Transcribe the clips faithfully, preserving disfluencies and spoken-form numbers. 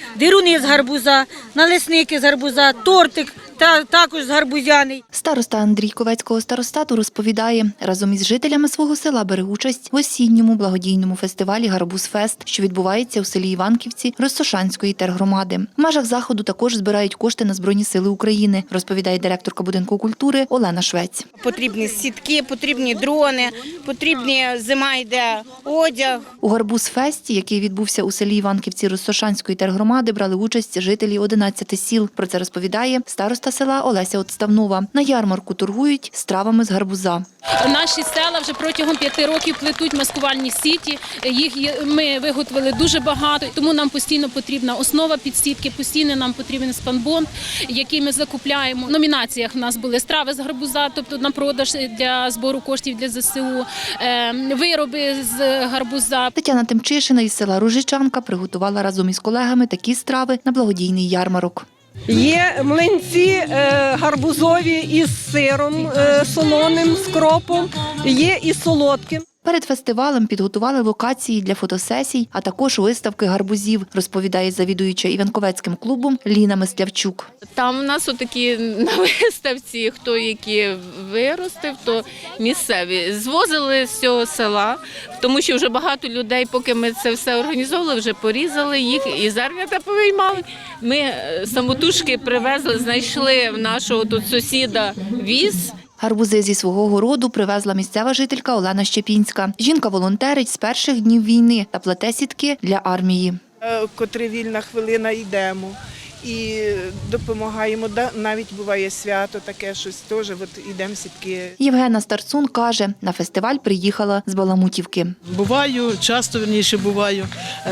дируни з гарбуза, налисники з гарбуза, тортик та також з гарбузяний. Староста Андрій Ковецького старостату розповідає, разом із жителями свого села бере участь в осінньому благодійному фестивалі «Гарбузфест», що відбувається у селі Іванківці Розсошанської тергромади. В межах заходу також збирають кошти на Збройні сили України, розповідає директорка будинку культури Олена Швець. Потрібні сітки, потрібні дрони, потрібні, зима йде, одяг. У «Гарбузфесті», який відбувся у селі Іванківці Розсошанської тергромади, брали участь жителі одинадцяти сіл. Про це розповідає староста села Олеся Отставнова. На ярмарку торгують стравами з гарбуза. Наші села вже протягом п'яти років плетуть маскувальні сіті. Їх ми виготовили дуже багато, тому нам постійно потрібна основа під сітки, постійно нам потрібен спанбонд, який ми закупляємо. В номінаціях в нас були страви з гарбуза, тобто на продаж для збору коштів для зе се у, вироби з гарбуза. Тетяна Тимчишина із села Ружичанка приготувала разом із колегами такі страви на благодійний ярмарок. Є млинці гарбузові із сиром солоним, з кропом, є і солодкі. Перед фестивалем підготували локації для фотосесій, а також виставки гарбузів, розповідає завідуюча Іванковецьким клубом Ліна Мислявчук. Там у нас отакі на виставці, хто які виростив, то місцеві. Звозили з цього села, тому що вже багато людей, поки ми це все організовували, вже порізали їх і зернята повиймали. Ми самотужки привезли, знайшли в нашого тут сусіда віз. Гарбузи зі свого городу привезла місцева жителька Олена Щепінська. Жінка волонтерить з перших днів війни та плете сітки для армії. Котре вільна хвилина йдемо і допомагаємо. Навіть буває свято таке, щось теж, от йдемо сітки. Євгена Старцун каже, на фестиваль приїхала з Баламутівки. Буваю, часто, верніше буваю,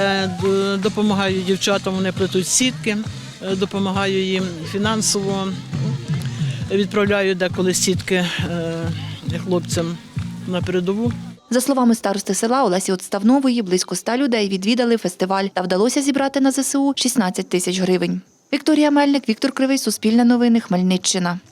допомагаю дівчатам, вони плетуть сітки, допомагаю їм фінансово. Відправляю деколи сітки хлопцям на передову. За словами старости села Олесі Отставнової, близько ста людей відвідали фестиваль та вдалося зібрати на зе се у шістнадцять тисяч гривень. Вікторія Мельник, Віктор Кривий, Суспільне новини, Хмельниччина.